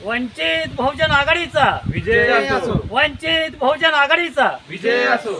वंचित बहुजन आघाडीचा विजय असो. वंचित बहुजन आघाडीचा विजय असो.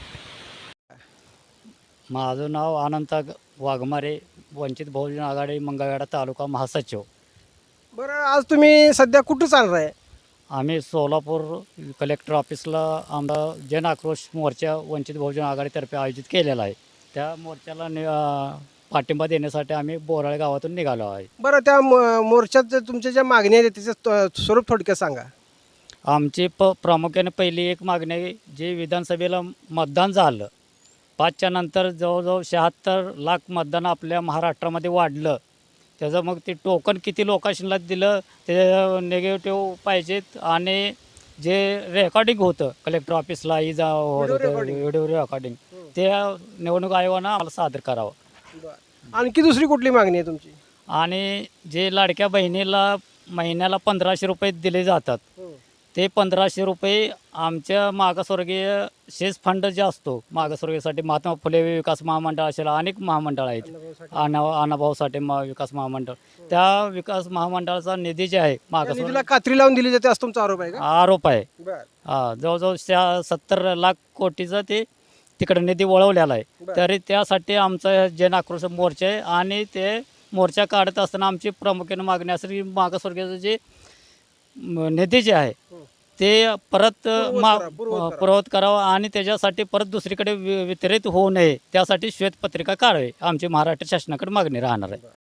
माझं नाव अनंत वाघमारे, वंचित बहुजन आघाडी मंगळवेढा तालुका महासचिव. बरं, आज तुम्ही सध्या कुठं चाललाय? आम्ही सोलापूर कलेक्टर ऑफिसला आमचा जन आक्रोश मोर्चा वंचित बहुजन आघाडीतर्फे आयोजित केलेला आहे. त्या मोर्चाला पाठिंबा देण्यासाठी आम्ही बोराळे गावातून निघालो आहे. बरं, त्या मोर्चात तुमच्या ज्या मागण्या आहेत त्याचं स्वरूप थोडक्यात सांगा. आमची प्रामुख्याने पहिली एक मागणी आहे, जे विधानसभेला मतदान झालं 5च्या नंतर जवळजवळ 76 लाख मतदान आपल्या महाराष्ट्रामध्ये वाढलं. त्याचं मग ते टोकन किती लोकांना दिलं ते निगेटिव्ह पाहिजेत आणि जे रेकॉर्डिंग होतं कलेक्टर ऑफिसला व्हिडिओ रेकॉर्डिंग ते निवडणूक आयोगानं आम्हाला सादर करावं. आणखी दुसरी कुठली मागणी आहे तुमची? आणि जे लाडक्या बहिणीला महिन्याला 1500 रुपये दिले जातात ते 1500 रुपये आमच्या मागासवर्गीय शेष फंड जे असतो मागासवर्गीयसाठी महात्मा फुले विकास महामंडळ असेल अनेक महामंडळ आहेत, अनाभाऊ साठे विकास महामंडळ, त्या विकास महामंडळाचा निधी जे आहे मागासवर्गीय निधीला कात्री लावून दिली जाते असं तुमचा आरोप आहे का? आरोप आहे. बरं. जवळजवळ 70 लाख कोटीचा ते तिकडे निधी वळवलेला आहे. तरी त्यासाठी आमचा जन आक्रोश मोर्चा आहे आणि ते मोर्चा काढत असताना आमची प्रामुख्याने मागणी असेल की मागासवर्गीयाचं जे निधी जे आहे ते परत पुरवत करावं आणि त्याच्यासाठी परत दुसरीकडे वितरित होऊ नये त्यासाठी श्वेतपत्रिका काढावी आमची महाराष्ट्र शासनाकडे मागणी राहणार आहे.